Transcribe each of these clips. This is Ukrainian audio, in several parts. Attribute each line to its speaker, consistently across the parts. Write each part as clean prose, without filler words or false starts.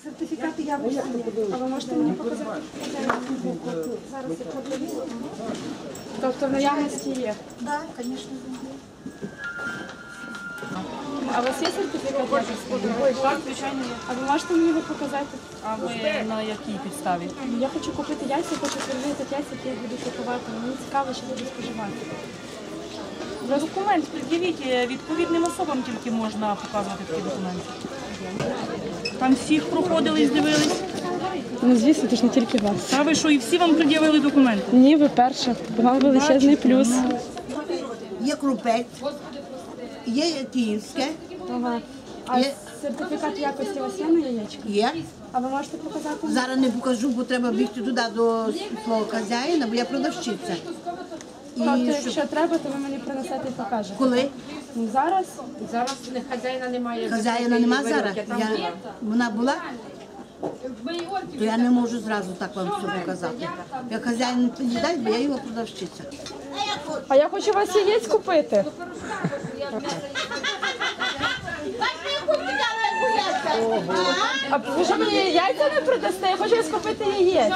Speaker 1: Сертифікати якості є. А ви можете мені показати? Зараз я подивлюся. Тобто в наявності є?
Speaker 2: Так, звісно.
Speaker 1: А у вас є сертифікат якості?
Speaker 3: Так, звичайно, є.
Speaker 1: А ви можете мені його показати?
Speaker 3: А ви на якій підставі?
Speaker 1: Я хочу купити яйця, хочу перевірити яйця, які я буду купувати. Мені цікаво, що буду споживати.
Speaker 3: Документ пред'явіть, відповідним особам тільки можна показувати такі документи. Там всіх проходили і здивились.
Speaker 1: Ну, звісно, це ж не тільки вас.
Speaker 3: Та ви що, і всі вам пред'явили документи?
Speaker 1: Ні, ви перша. Вам величезний плюс.
Speaker 2: Є крупець, є київське,
Speaker 1: Ага. А
Speaker 2: Є.
Speaker 1: сертифікат якості у вас є на яєчко?
Speaker 2: є.
Speaker 1: А ви можете показати?
Speaker 2: Зараз не покажу, бо треба бігти туди до свого хазяїна, бо я продавщиця.
Speaker 1: Тобто,
Speaker 2: І
Speaker 1: якщо треба, то ви мені принесете і покажете.
Speaker 2: коли
Speaker 1: Ну, зараз?
Speaker 4: Зараз хазяїна немає.
Speaker 2: хазяїна нема зараз, вона була, то я не можу зразу так вам все показати. Як хазяїн не дасть, бо я його продавщиця.
Speaker 1: А я хочу у вас яєць купити. А ви що мені яйця не продасте? Я хочу у вас купити яєць.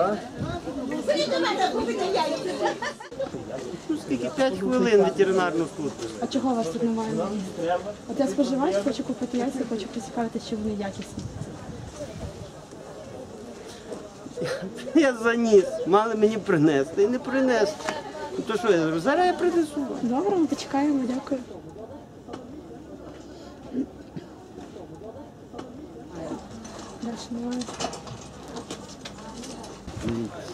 Speaker 5: Ну, скільки? 5 хвилин ветеринарну службу.
Speaker 1: А чого у вас тут немає? От я споживач, хочу купити яйця, хочу поцікавитися, чи вони якісні.
Speaker 5: Я заніс, мали мені принести і не принесли. Ну, то що я зроблю? Зараз я принесу.
Speaker 1: Добре, ми почекаємо, дякую. Дальше немає.